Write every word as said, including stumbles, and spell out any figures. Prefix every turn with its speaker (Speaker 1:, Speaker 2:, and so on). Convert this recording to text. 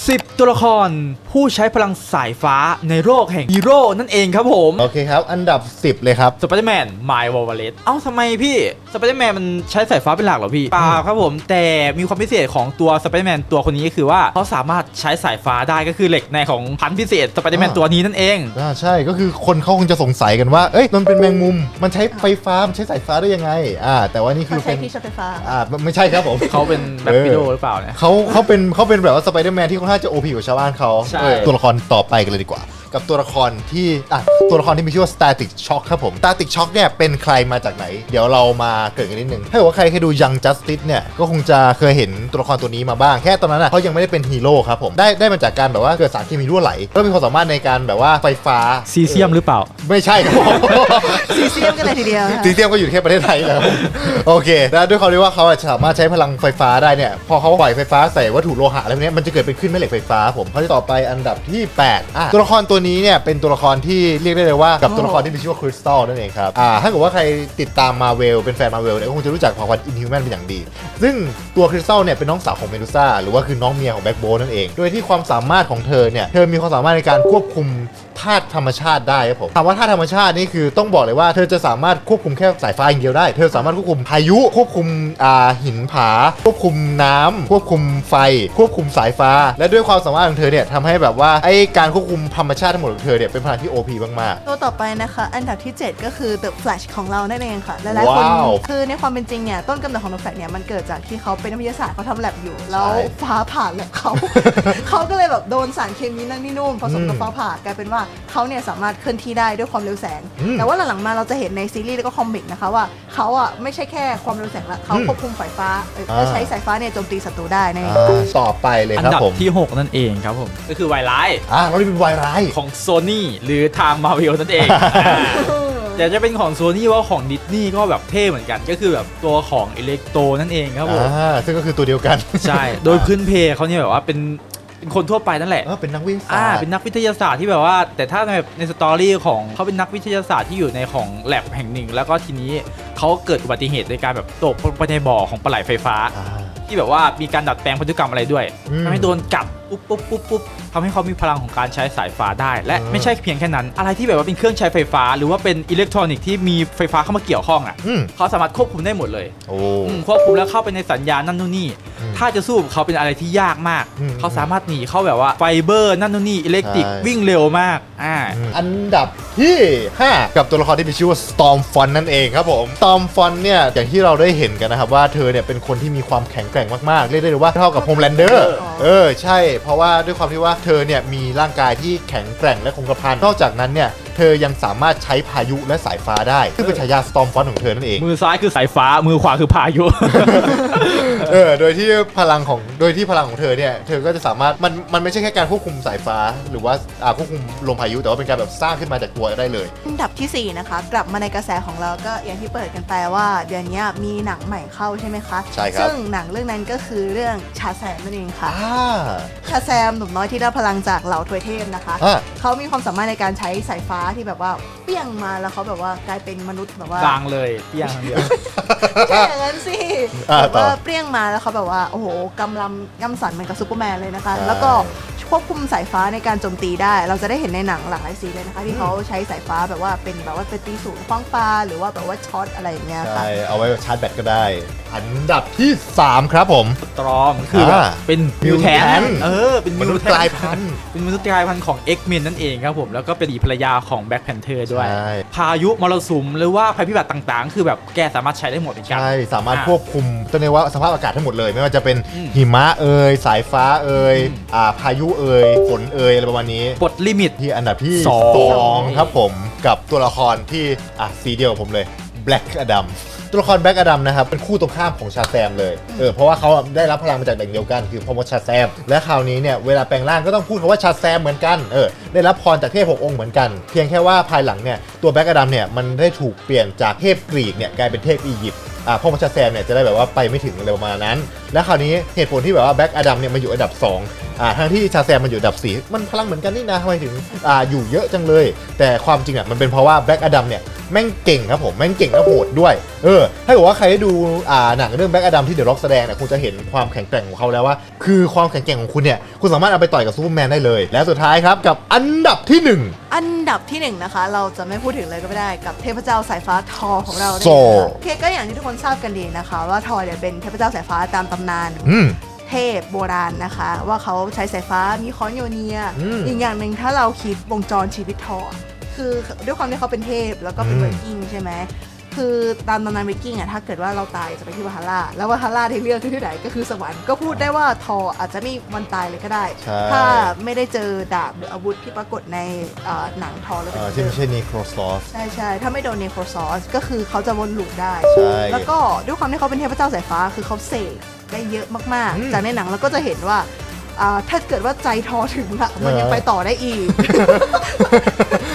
Speaker 1: สิบตัวละครผู้ใช้พลังสายฟ้าในโลกแห่งฮีโร่นั่นเองครับผม
Speaker 2: โอเคครับอันดับสิบเลยครับ
Speaker 1: สไปเดอร์แมนไมล์วอลเลตเอ้าทำไมพี่สไปเดอร์แมนมันใช้สายฟ้าเป็นหลักเหรอพี่เปล่าครับผมแต่มีความพิเศษของตัวสไปเดอร์แมนตัวคนนี้ก็คือว่าเขาสามารถใช้สายฟ้าได้ก็คือเหล็กในของพันธุ์พิเศษสไปเดอร์แมนตัวนี้นั่นเอง
Speaker 2: อ่าใช่ก็คือคนเขาคงจะสงสัยกันว่าเอ้ยมันเป็นแมงมุมมันใช้ไฟฟ้ามันใช้สายฟ้าได้ยังไงอ่าแต่ว่านี่คือเป็น
Speaker 3: ที่ใช้ไฟฟ้า
Speaker 2: อ่าไม่ใช่ครับผม
Speaker 1: เขาเป็นแบ็ควิโดว์หรือเปล่าเนี่ย
Speaker 2: เขาเขาเป็นเขาเป็นแบบว่าสไปเดอร์แมนที่ค่อนข้างจะโอพีกว่าชาวบ้านเขาตัวละครต่อไปกันเลยดีกว่ากับตัวละครที่อ่ะตัวละครที่มีชื่อว่า Static Shock ครับผม Static Shock เนี่ยเป็นใครมาจากไหนเดี๋ยวเรามาเกิดกันนิดนึงถ้าเกิดว่าใครเคยดู Young Justice เนี่ยก็คงจะเคยเห็นตัวละครตัวนี้มาบ้างแค่ตอนนั้นอ่ะเขายังไม่ได้เป็นฮีโร่ครับผมได้ได้มาจากการแบบว่าเกิดสารเคมีรั่วไหลแล้วมีความสามารถในการแบบว่าไฟฟ้า
Speaker 1: ซีเซียมหรือเปล่า
Speaker 2: ไม่ใช่ครับผม
Speaker 3: ซีเซียมกันเลยทีเดียว
Speaker 2: ซีเซียมก็อยู่แค่ประเทศไทยแล้วโอเคแล้วด้วยความที่ว่าเขาสามารถใช้พลังไฟฟ้าได้เนี่ยพอเขาปล่อยไฟฟ้าใส่วัตถุโลหะอะไรพวกนี้มันจะเกิดเป็นคลื่นแม่เหล็กไฟฟ้าผมเขาจะต่อไปอันดับที่แปดอ่ะตัวละครตัวนี้เนี่ยเป็นตัวละครที่เรียกได้เลยว่ากับตัวละครที่มีชื่อว่าคริสตัลนั่นเองครับอ่าถ้าเกิดว่าใครติดตามมาเวลเป็นแฟนมาเวลเนี่ยก็คงจะรู้จักเผ่าพันธุ์อินฮิวแมนเป็นอย่างดีซึ่งตัวคริสตัลเนี่ยเป็นน้องสาวของเมดูซ่าหรือว่าคือน้องเมียของแบ็คโบนั่นเองโดยที่ความสามารถของเธอเนี่ยเธอมีความสามารถในการควบคุมธาตุธรรมชาติได้ครับผมถามว่าธาตุธรรมชาตินี่คือต้องบอกเลยว่าเธอจะสามารถควบคุมแค่สายฟ้าอย่างเดียวได้เธอสามารถควบคุมพายุควบคุมอ่าหินผาควบคุมน้ำควบคุมไฟควบคุมสายฟ้าและด้วยความสามารถของเธอเนี่ยทำให้แบบว่าไอ้การควบคุมธรรมชาติทั้งหมดของเธอเนี่ยเป็นพลังที่ โอ พี มาก
Speaker 3: ๆตัวต่อไปนะคะอันดับที่เจ็ดก็คือ The Flash ของเรานั่นเองค่ะหลายๆคนคือในความเป็นจริงเนี่ยต้นกำเนิดของ The Flash เนี่ยมันเกิดจากที่เขาเป็นนักวิทยาศาสตร์เขาทำแลบอยู่แล้วฟ้าผ่าแลบเขาเขาก็เลยแบบโดนสารเคมีนั่นนี่นู่นผสมกับฟ้าผ่ากลายเป็นว่าเขาเนี่ยสามารถเคลื่อนที่ได้ด้วยความเร็วแสงแต่ว่าหลังๆมาเราจะเห็นในซีรีส์แล้วก็คอมิกนะคะว่าเขาอ่ะไม่ใช่แค่ความเร็วแสงละเขาควบคุมสายฟ้าจะใช้สายฟ้าเนี่ยโจมตีศัตรูได้นั่นเอง
Speaker 2: ต่อไปเลยครับผม
Speaker 1: อันดับที่หกนั่นเองครับผมก็คือวายไลท์
Speaker 2: อ่าเราเป็นวายไลท์
Speaker 1: ของโซนี่หรือทางมาร์เวลนั่นเองแต่จะเป็นของโซนี่ว่าของดิสนีย์ก็แบบเท่เหมือนกันก็คือแบบตัวของอิเล็กโตนั่นเองครับผม
Speaker 2: อ่าซึ่งก็คือตัวเดียวกัน
Speaker 1: ใช่โดยพื้นเพเขาเนี่ยแบบว่าเป็นเป็นคนทั่วไปนั่นแหละ
Speaker 2: เออเป็นนักวิทยาศาสตร์
Speaker 1: อ่าเป็นนักวิทยาศาสตร์ที่แบบว่าแต่ถ้าในในสตอรี่ของเขาเป็นนักวิทยาศาสตร์ที่อยู่ในของแลบแห่งหนึ่งแล้วก็ทีนี้เขาเกิดอุบัติเหตุในการแบบตกไปในบ่อของปลาไหลไฟฟ้าที่แบบว่ามีการดัดแปลงพันธุกรรมอะไรด้วยทำให้โดนกัดปุ๊บปุ๊บปุ๊บปุ๊บทำให้เขามีพลังของการใช้สายฟ้าได้และไม่ใช่เพียงแค่นั้นอะไรที่แบบว่าเป็นเครื่องใช้ไฟฟ้าหรือว่าเป็นอิเล็กทรอนิกส์ที่มีไฟฟ้าเข้ามาเกี่ยวข้องอ่ะเขาสามารถควบคุมได้หมดเลยควบคุมแล้วเข้าไปในสัญญาณนั่นนู่นนี่ถ้าจะสู้กับเขาเป็นอะไรที่ยากมากเขาสามารถหนีเข้าแบบว่าไฟเบอร์นั่นนู่นนี่อิเล็กทริกวิ่งเร็วมากอ่า
Speaker 2: อันดับที่ห้ากับตัวละครที่มีชื่อว่า Stormfront นั่นเองครับผม Stormfront เนี่ยอย่างที่เราได้เห็นกันนะครับว่าเธอเนี่ยเป็นคนที่มีความแข็งแกร่งมากๆเรียกได้เลยว่าเท่ากับ Homelander เออใช่เพราะว่าด้วยความที่ว่าเธอเนี่ยมีร่างกายที่แข็งแกร่งและคงกระพันนอกจากนั้นเนี่ยเธอยังสามารถใช้พายุและสายฟ้าได้ซึ่งเป็นฉายา Stormfront ของเธอนั่นเอง
Speaker 1: มือซ้ายคือสายฟ้ามือขวาคือพายุ
Speaker 2: เออโดยที่พลังของโดยที่พลังของเธอเนี่ยเธอก็จะสามารถมันมันไม่ใช่แค่การควบคุมสายฟ้าหรือว่าอ่าควบคุมลมพายุแต่ว่าเป็นการแบบสร้างขึ้นมาจากตัวได้เลย
Speaker 3: อันดับที่สี่นะคะกลับมาในกระแสของเราก็อย่างที่เปิดกันไปว่าเดือนนี้มีหนังใหม่เข้าใช่ไหมคะ
Speaker 2: ใช่ครับ
Speaker 3: ซึ่งหนังเรื่องนั้นก็คือเรื่องชาแซมนั่นเองค่ะชาแซมหนุ่มน้อยที่ได้พลังจากเหล่าทวยเทพนะคะเขามีความสามารถในการใช้สายฟ้าที่แบบว่าเปี้ยงมาแล้วเขาแบบว่ากลายเป็นมนุษย์แบบว่า
Speaker 1: กลางเลยเปี้ยงเดียว
Speaker 3: ใช่อย่างนั้นสิแบบว่าเปี้ยงมาแล้วเขาแบบว่าโอ้โหกำลังย่ำสันเหมือนกับซูเปอร์แมนเลยนะคะแล้วก็ควบคุมสายฟ้าในการโจมตีได้เราจะได้เห็นในหนังหลากหลายซีนเลยนะคะที่เขาใช้สายฟ้าแบบว่าเป็นแบบว่าเป็นตีศูนย์คว้างปลาหรือว่าแบบว่าช็อตอะไรอย่างเงี้ยค่ะ
Speaker 2: ใช่เอาไว้ชาร์จแบตก็ได้อันดับที่สามครับผม
Speaker 1: ตรอมคือแบบเป็นมิวแทนเออเป็น
Speaker 2: มนุษย์กลายพันธุ์
Speaker 1: เป็นมนุษย์กลายพันธุ์ของ X-Men นั่นเองครับผมแล้วก็เป็นภรรยาของ Black Panther ด้วยพายุมรสุมหรือว่าภัยพิบัติต่างๆคือแบบแกสามารถใช้ได้หมดเหมือนกัน
Speaker 2: ใช่สามารถควบคุมตัวนี้ว่าสภาพอากาศทั้งหมดเลยไม่ว่าจะเป็นหิมะเอ่ยสายฟ้าเอ่ยอ่าพายุเอ่ยฝนเอ่ยอะไรประมาณนี้
Speaker 1: ปลดลิมิต
Speaker 2: ที่อันดับที่สองครับผมกับตัวละครที่อ่ะสีเดียวผมเลย Black Adam ตัวละครแบล็กอดัมนะครับเป็นคู่ตรงข้ามของชาแซมเลยเออเพราะว่าเขาได้รับพลังมาจากแหล่งเดียวกันคือพ่อมดชาแซมและคราวนี้เนี่ยเวลาแปลงร่างก็ต้องพูดคำว่าชาแซมเหมือนกันเออได้รับพรจากเทพหกองค์เหมือนกันเพียงแค่ว่าภายหลังเนี่ยตัวแบล็กอดัมเนี่ยมันได้ถูกเปลี่ยนจากเทพกรีกเนี่ยกลายเป็นเทพอียิปต์อ่าพ่อมดชาแซมเนี่ยจะได้แบบว่าไปไม่ถึงอะไรประมาณนั้นและคราวนี้เหตุผลที่แบบว่าแบล็กอดัมเนี่ยมาอยู่อันดับสองอ่าทั้งที่ชาแซมมันอยู่อันดับสี่มันพลังเหมือนกันนี่นะทำไมถึงอ่าอยู่เยอะจังเลยแต่ความจริงอ่ะมันเป็นเพราะว่าแบล็กอดัมเนี่ยแม่งเก่งครับผมแม่งเก่งและโหดด้วยเออถ้าเกิดว่าใครได้ดูอ่าหนังเรื่องแบล็กอดัมที่เดอะร็อกแสดงเนี่ยคงจะเห็นความแข็งแกร่งของเขาแล้วว่าคือความแข็งแกร่งของคุณเนี่ยคุณสามารถเอาไปต่อยกับซูเปอร์แมนได้เลยและสุดท้ายครับกับอันดับที่หนึ่ง
Speaker 3: อันดับที่หนึ่งนะคะเราจะไม่พูดถึงเลยก็ไม่ได้กับเทพเจ้าสายฟ้าทอของเราเนี่ย
Speaker 2: โซ่
Speaker 3: โอเคก็อย่างที่ทุกคนทราบกันดีนะคะว่าทอเนี่ยเป็นเทพเจ้าสายฟ้าตามตำนาน
Speaker 2: อืม
Speaker 3: เทพโบราณนะคะ ว่าเขาใช้สายฟ้ามีค้อนโยเนีย
Speaker 2: อืม
Speaker 3: อีกอย่างหนึ่งถ้าเราคิดวงจรชีวิตทอคือด้วยความที่เขาเป็นเทพแล้วก็เป็น
Speaker 2: อืม
Speaker 3: เวกิ้งใช่ไหมคือตามตำนานเวกิ้งอะถ้าเกิดว่าเราตายจะไปที่วาฮาร่าแล้ววาฮาร่าที่เลือกคือที่ไหนก็คือสวรรค์ก็พูดได้ว่าทออาจจะไม่วันตายเลยก็ได้
Speaker 2: ใช่
Speaker 3: ถ้าไม่ได้เจอดาบหรืออาวุธที่ปรากฏในเอ่อหนังทอแล้ว
Speaker 2: เอ
Speaker 3: เป็น
Speaker 2: อที่ไม่ใช่นีโครซอส
Speaker 3: ใช่ใช่ถ้าไม่โดนเนโครซอสก็คือเขาจะวนลูปได้
Speaker 2: ใช่
Speaker 3: แล้วก็ด้วยความที่เขาเป็นเทพเจ้าสายฟ้าคือเขาเสกได้เยอะมาก
Speaker 2: อืม
Speaker 3: ๆ จากในหนังเราก็จะเห็นว่าอ่าถ้าเกิดว่าใจทอถึงอะมันยัง
Speaker 2: เออ
Speaker 3: ไปต่อได้อีก